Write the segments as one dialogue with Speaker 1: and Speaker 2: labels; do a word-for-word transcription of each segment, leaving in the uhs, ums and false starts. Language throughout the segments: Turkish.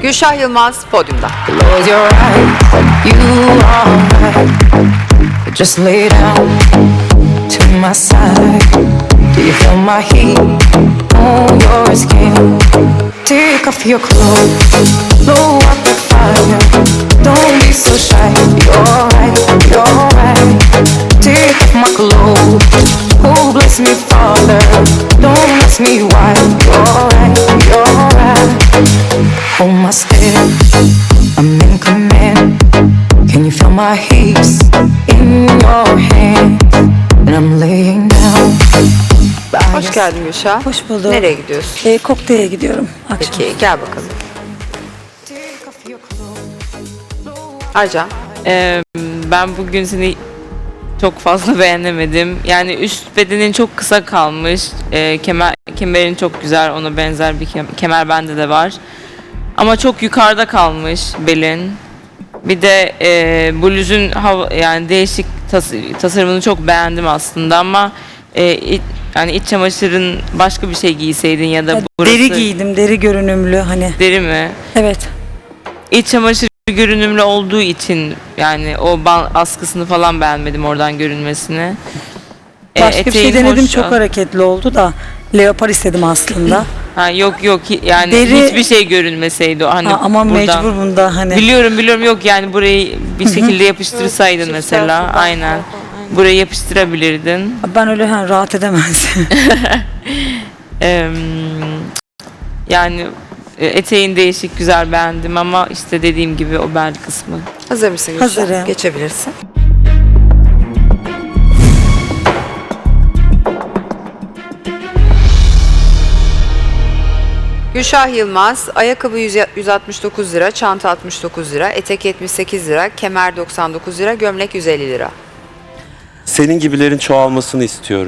Speaker 1: Gülşah Yılmaz podyumda.
Speaker 2: Close your eyes, you are right. Just lay down to my side. Do you feel my heat on your skin? Take off your clothes, blow up the fire. Don't be so shy, you're right, you're right. Take off my clothes, oh bless me Father. Don't ask me why, you're right, you're right. Hold my step, I'm in command. Can you feel my heat in your hands? And I'm laying down.
Speaker 1: Hoş geldin Gülşah.
Speaker 3: Hoş bulduk.
Speaker 1: Nereye gidiyorsun?
Speaker 3: E, kokteyle gidiyorum akşam.
Speaker 1: Peki gel bakalım. Ayca.
Speaker 4: Ee, ben bugün seni çok fazla beğenemedim. Yani üst bedenin çok kısa kalmış. Ee, kemer kemerin çok güzel, ona benzer bir kem- kemer bende de var. Ama çok yukarıda kalmış belin. Bir de e, bluzun hava, yani değişik tas- tasarımını çok beğendim aslında ama e, it, yani iç çamaşırın başka bir şey giyseydin ya da
Speaker 3: Ya,
Speaker 4: burası
Speaker 3: deri giydim, deri görünümlü hani.
Speaker 4: deri mi?
Speaker 3: Evet.
Speaker 4: İç çamaşır görünümlü olduğu için yani o ban- askısını falan beğenmedim, oradan görünmesini. E,
Speaker 3: Başka bir şey
Speaker 4: eteğin
Speaker 3: denedim,
Speaker 4: hoş-
Speaker 3: çok hareketli oldu da leopar istedim aslında.
Speaker 4: Ha, yok yok hi- yani
Speaker 3: Deri-
Speaker 4: hiçbir şey görünmeseydi o hani
Speaker 3: Ha, ama
Speaker 4: buradan.
Speaker 3: mecbur bunda hani.
Speaker 4: Biliyorum biliyorum, yok yani burayı bir şekilde yapıştırsaydın mesela, aynen. Burayı yapıştırabilirdin.
Speaker 3: Ben öyle hani rahat edemezdim.
Speaker 4: Eee, yani e, eteğin değişik, güzel, beğendim ama işte dediğim gibi o bel kısmı.
Speaker 1: Hazır mısın Gülşah?
Speaker 3: Hazırım.
Speaker 1: Geçebilirsin. Gülşah Yılmaz, ayakkabı yüz yüz altmış dokuz lira, çanta altmış dokuz lira, etek yetmiş sekiz lira, kemer doksan dokuz lira, gömlek yüz elli lira.
Speaker 5: Senin gibilerin çoğalmasını istiyorum.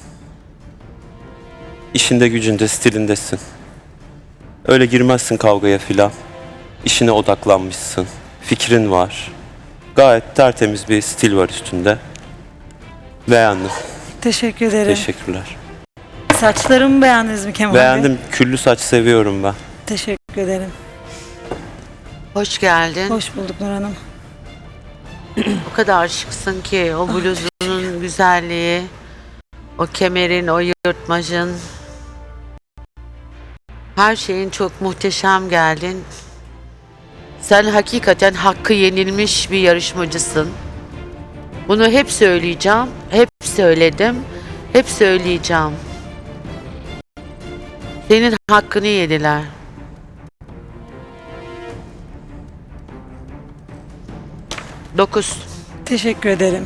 Speaker 5: İşinde gücünde, stilindesin. Öyle girmezsin kavgaya filan. İşine odaklanmışsın. Fikrin var. Gayet tertemiz bir stil var üstünde. Beğendim.
Speaker 3: Teşekkür ederim.
Speaker 5: Teşekkürler.
Speaker 3: Saçlarımı beğendiniz mi Kemal Bey?
Speaker 5: Beğendim. Küllü saç seviyorum ben.
Speaker 3: Teşekkür ederim.
Speaker 6: Hoş geldin.
Speaker 3: Hoş bulduk Nur Hanım.
Speaker 6: O kadar şıksın ki o bluzunun güzelliği, o kemerin, o yırtmacın, her şeyin çok muhteşem geldin. Sen hakikaten hakkı yenilmiş bir yarışmacısın. Bunu hep söyleyeceğim, hep söyledim, hep söyleyeceğim. Senin hakkını yediler. Dokuz.
Speaker 3: Teşekkür ederim.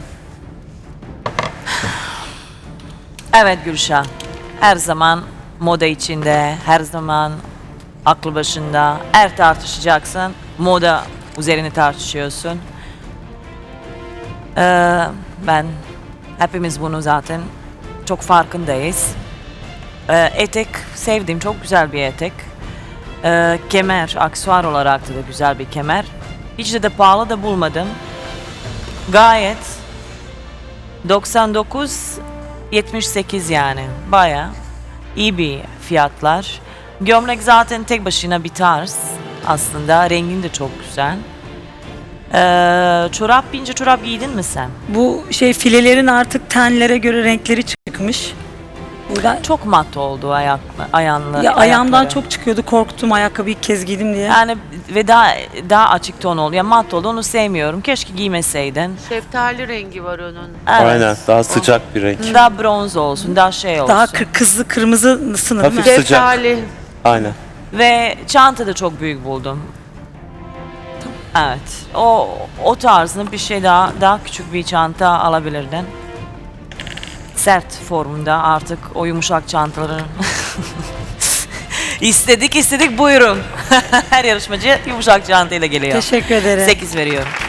Speaker 7: Evet Gülşah, her zaman moda içinde, her zaman aklı başında. Eğer tartışacaksın, moda üzerine tartışıyorsun. Ee, ben, hepimiz bunu zaten çok farkındayız. Ee, etek sevdim, çok güzel bir etek. Ee, kemer, aksesuar olarak da, da güzel bir kemer. Hiç de, de pahalı da bulmadım. Gayet doksan dokuz yetmiş sekiz yani baya iyi bir fiyatlar. Gömlek zaten tek başına bir tarz aslında, rengin de çok güzel. Ee, çorap, ince çorap giydin mi sen?
Speaker 3: Bu şey filelerin artık tenlere göre renkleri çıkmış. Burada
Speaker 7: Çok mat oldu ayak, ayağınla.
Speaker 3: ya ayağımdan
Speaker 7: ayakları.
Speaker 3: çok çıkıyordu, korktum ayakkabıyı ilk kez giydim diye.
Speaker 7: Yani ve daha daha açık ton oldu. Ya mat oldu, onu sevmiyorum. Keşke giymeseydin.
Speaker 6: Şeftali rengi var onun.
Speaker 7: Evet.
Speaker 5: Aynen. Daha sıcak bir renk.
Speaker 7: Daha bronz olsun, daha şey olsun.
Speaker 3: Daha kır, kızlı kırmızı sınır değil mi?
Speaker 5: Hafif sıcak.
Speaker 6: Şeftali.
Speaker 5: Aynen.
Speaker 7: Ve çanta da çok büyük buldum. Evet. O o tarzında bir şey daha daha küçük bir çanta alabilirdin. Sert formunda artık o yumuşak çantaların. istedik istedik buyurun. Her yarışmacı yumuşak çantayla geliyor.
Speaker 3: Teşekkür ederim.
Speaker 7: sekiz veriyorum.